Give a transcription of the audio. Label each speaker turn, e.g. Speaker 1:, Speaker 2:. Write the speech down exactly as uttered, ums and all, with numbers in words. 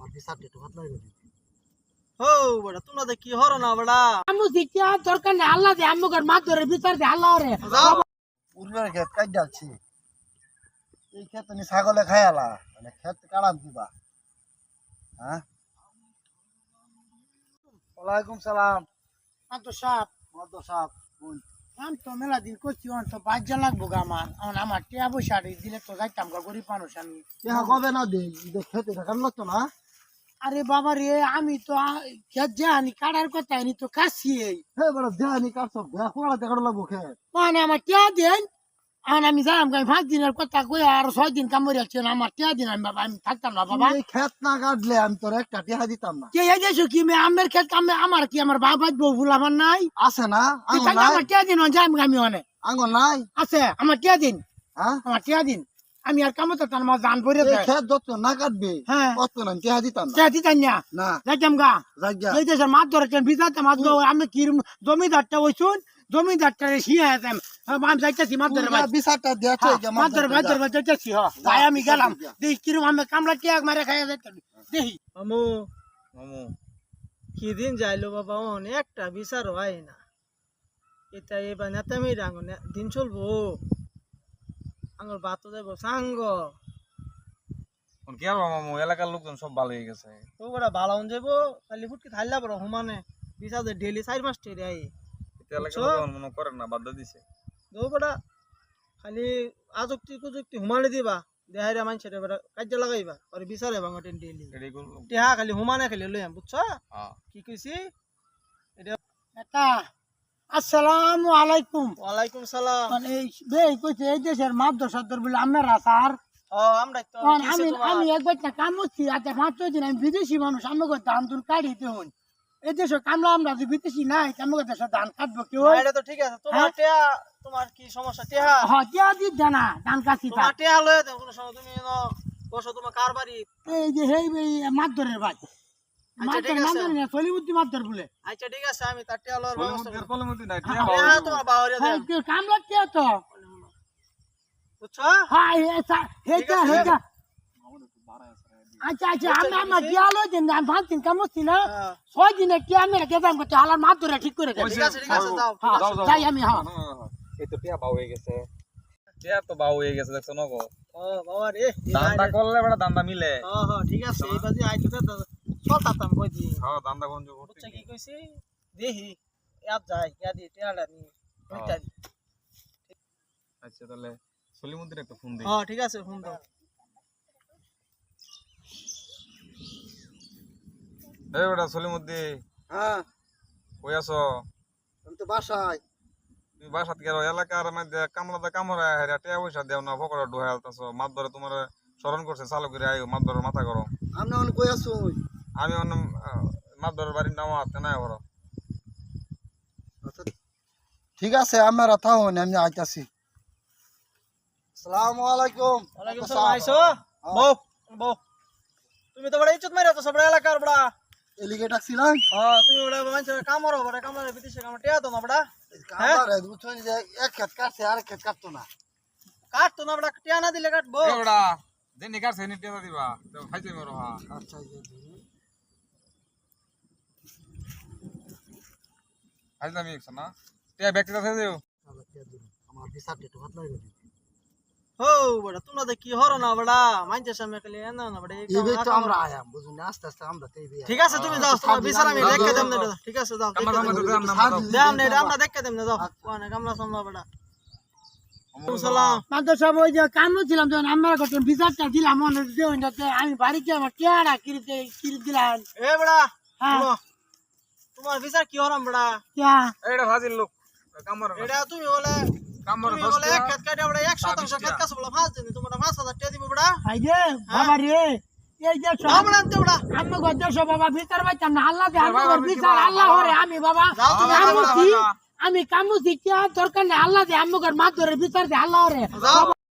Speaker 1: আমার বিচারটা একটু ভাত লাগে
Speaker 2: ও বড়া তোমরা তো কি হরো না বড়া
Speaker 3: আমু দিকিয়া দরকার নেই আল্লাহ দে আমুকের মাত ধরে বিচার দে আল্লাহ রে
Speaker 1: উর্বর ক্ষেত কাট ডালছি এই ক্ষেত তুমি ছাগলে খায়ালা মানে ক্ষেত কাড়াম দিবা হ্যাঁ ওয়ালাইকুম সালাম
Speaker 3: আম তো সাপ
Speaker 1: মদ সাপ কোন
Speaker 3: আম তো মেলা দিন করছি অন তো বাজ্যা লাগবো গা আমার এখন আমার টিয়া পয়সা দিলে তো যাইতাম গা গরিব মানুষ আমি
Speaker 1: কেহা কবে না দে ঈদের খেতে দেখান লাগতো না
Speaker 3: আরে বাবা রে আমি তো খেত জানি কাটার কথা আনি তো কাছি
Speaker 1: হে বড় দেহানি কাটছ দেহ কোলা দেখানো লাগবো খেত
Speaker 3: মানে আমার টিয়া দেন এখন আমি যাইম আমি পাঁচ দিনের কথা কই আর ছয় দিন কাম করে আসছি আমার টিয়া দিন আমি বাবা আমি থাকতাম না বাবা
Speaker 1: এই ক্ষেত না কাটলে আমি তোর একটা টিহা দিতাম না
Speaker 3: কে এই দেশো কি মে আমের খেত কামে আমার কি আমার বাবা বউ ভুল আমার নাই
Speaker 1: আছে না
Speaker 3: তুই
Speaker 1: আঙ্গন
Speaker 3: থাকলে
Speaker 1: নাই
Speaker 3: আমার টিয়া দিন যাইম আমি অনেক
Speaker 1: আঙ্গন নাই
Speaker 3: আছে আমার টিয়া দিন
Speaker 1: হ্যাঁ
Speaker 3: আমার টিয়া দিন আমি আর কামতে তার মা জান পড়ে
Speaker 1: এই ক্ষেত যত না কাটবে
Speaker 3: হ্যাঁ
Speaker 1: কত না টিহা দিতাম না
Speaker 3: টিয়া দিতাম না
Speaker 1: না
Speaker 3: যাইতাম গা
Speaker 1: জায়গা
Speaker 3: এই দেশের মাছ ধরেছেন বিজাতে মাছ ধরে আমি কি জমিদারটা হইছুন জমিদারটা শিয়া আছেন আমি যাইতেছি মাছ ধরে ভাই
Speaker 1: বিচারটা দেখে
Speaker 3: মাছ ধরে মাছ ধরে যাইতেছি হ ভাই আমি গেলাম দেখি কিরম আমি কামলা টিয়াক মারে খাইয়া যাইতাম দেখি
Speaker 2: মামু মামু কি দিন যাইলো বাবা অনেকটা বিচার হয় না এটা এবার নেতামি রাঙ দিন চলবো আঙ্গুর বাত যাইব সাঙ্গ
Speaker 4: কি আর মামু এলাকার লোকজন সব ভালো হয়ে গেছে
Speaker 2: তো বড়া ভালো হন যাইব খালি ফুটকি থাইলা বড় হুমানে বিচার ডেলি চার মাস টেরে আই
Speaker 4: এলাকার লোকজন মনে করেন না বাধ্য দিছে
Speaker 2: দো বড়া খালি আযুক্তি কুযুক্তি হুমানে দিবা দেহাইরা মানুষের বড়া কাজে লাগাইবা আর বিচারে ভাঙ টেন ডেলি
Speaker 4: এটাই করলাম
Speaker 2: টেহা খালি হুমানে খালি লইয়াম বুঝছো
Speaker 4: হ্যাঁ
Speaker 2: কি কইছি
Speaker 3: এটা আসসালামু আলাইকুম
Speaker 2: ওয়ালাইকুম সালাম
Speaker 3: মানে এই বে কইছে এই দেশের মাছ ধর বলে আমরা স্যার
Speaker 2: ও আমরা তো
Speaker 3: আমি আমি একবার না কাম করছি আচ্ছা পাঁচ ছয় দিন আমি বিদেশি মানুষ আমাকে ধান তুন কাটিতে হন এই দেশে কামলা আমরা যদি বিদেশি নাই আমাকে দেশে ধান কাটবো কেউ
Speaker 2: এটা তো ঠিক আছে তোমার টেহা তোমার কি সমস্যা টেহা
Speaker 3: হ্যাঁ টিয়া দি জানা ধান কাটি
Speaker 2: তোমার টেহা লয়ে দাও কোনো সময় তুমি বসো তোমার কার বাড়ি
Speaker 3: এই যে হেই মাছ ধরে ভাই মাছ ধরে মাছ ধরে চলি বুদ্ধি মাছ ধর বলে
Speaker 2: আচ্ছা ঠিক আছে আমি তার টেহা লওয়ার ব্যবস্থা করব
Speaker 4: কলমতি নাই
Speaker 2: টেহা তোমার বাহরিয়া দেন
Speaker 3: কামলা টিয়া তো
Speaker 2: বুঝছো
Speaker 3: হ্যাঁ হেটা হেটা আচ্ছা আচ্ছা আমি আমার গেলো যে আমি পাঁচ দিন কাম করছি না ছয় দিনে কি আমি গেলাম করতে হালার মাছ ধরে ঠিক করে দেয়
Speaker 2: ঠিক আছে ঠিক আছে যাও
Speaker 3: যাই আমি হ্যাঁ
Speaker 4: এই তো টিয়া বাউ হয়ে গেছে টিয়া তো বাউ হয়ে গেছে দেখছো নগো
Speaker 2: ও বাবা রে
Speaker 4: দান্দা করলে বড় দান্দা মিলে
Speaker 2: হ্যাঁ হ্যাঁ ঠিক আছে এই বাজি আইতো তো চলতাম কই দি
Speaker 4: হ্যাঁ দান্দা কোন যোগ
Speaker 2: বুঝছো কি কইছি দেখি ইয়াত যাই ইয়া দি টেহাটা নি ওইটা
Speaker 4: আচ্ছা তাহলে সলিমুদ্দিন একটা ফোন দিই
Speaker 2: হ্যাঁ ঠিক আছে ফোন দাও
Speaker 4: এই বেটা সলিমুদ্দিন
Speaker 1: হ্যাঁ
Speaker 4: কই আছো
Speaker 1: আমি তো বাসায়
Speaker 4: তুমি বাসাত গেলো এলাকার মধ্যে কামলাতে কামড়া হেরা টিয়া পয়সা দেও না ফকরা ডুহাই আলতাছো মাছ ধরে তোমার স্মরণ করছে চালু করে আইও মাছ ধরে মাথা গরম
Speaker 1: আমি অনেক কই আছো
Speaker 4: আমি অন্য মাছ ধরে বাড়ির নাম হাতে নাই বড়
Speaker 1: ঠিক আছে আমরা থাকুন আমি আইতাছি আসসালামু আলাইকুম
Speaker 2: ওয়ালাইকুম সালাম আইছো বউ বউ তুমি তো বড় ইজ্জত মাইরা তো সব এলাকার বড়া
Speaker 1: এলিগে ডাকছিলাম
Speaker 2: হ্যাঁ তুমি বড় মানুষের কামড়ো বড় কামড়ে বিদেশে কামড় টিয়া তো না বড়া
Speaker 1: কামারে বুঝছো যে এক ক্ষেত কাটছে আর ক্ষেত কাটতো না
Speaker 2: কাট তো না বড়া টিয়া না দিলে কাটবো
Speaker 4: এ বেটা দেনি কাছে নি টিয়া দিবা তো খাইতে মরো হ্যাঁ
Speaker 1: আচ্ছা এই যে
Speaker 4: আজ আমি একছ না টিয়া ব্যক্তি আছে দেও
Speaker 1: আমার বিচারটা একটু ভাত লাগে
Speaker 2: ও বড় তোমরা তো কি হরো না বড়া মানুষের সামনে খালি এনা না বড়া
Speaker 1: এই বে তো আমরা আয়াম বুঝুন না আস্তে আস্তে আমরা তো এই বে
Speaker 2: ঠিক আছে তুমি যাও তোমার বিচার আমি দেখে দেব না ঠিক আছে যাও
Speaker 4: কামলা কামলা দাম নাম দাও
Speaker 2: দাম নেই আমরা দেখে দেব না যাও কোন কামলা সামলা বড়া সালাম
Speaker 3: মাত্র সব ওই যে কাম ছিলাম যখন আমরা করতাম বিচারটা দিলাম মনে দেওয়াতে আমি বাড়িতে আমার টিয়ারা কিরিতে কিরি দিলাম
Speaker 2: এ বড়া
Speaker 3: হ্যাঁ
Speaker 2: তোমার বিচার কি হরাম বড়া
Speaker 3: টিয়া
Speaker 4: এইটা ফাজিল লোক কামড়
Speaker 2: এটা তুমি বলে
Speaker 4: কামড়
Speaker 2: তুমি বলে এক খেত কাটে বড়া এক শতাংশ খেত কাছে বলে ফাঁস দিন তোমার পাঁচ হাজার টাকা দিব বড়া
Speaker 3: ভাই রে বাবা রে এই যে সব
Speaker 2: আমরা আনতে বড়া
Speaker 3: আমি গদ্য সব বাবা ভিতর বাইতাম না আল্লাহ দে আমার বিচার আল্লাহ হরে আমি বাবা
Speaker 2: যাও তুমি
Speaker 3: কামুছি আমি কামুছি টিয়া দরকার নেই আল্লাহ দে আমার মাছ ধরে বিচার দে আল্লাহ হরে
Speaker 2: যাও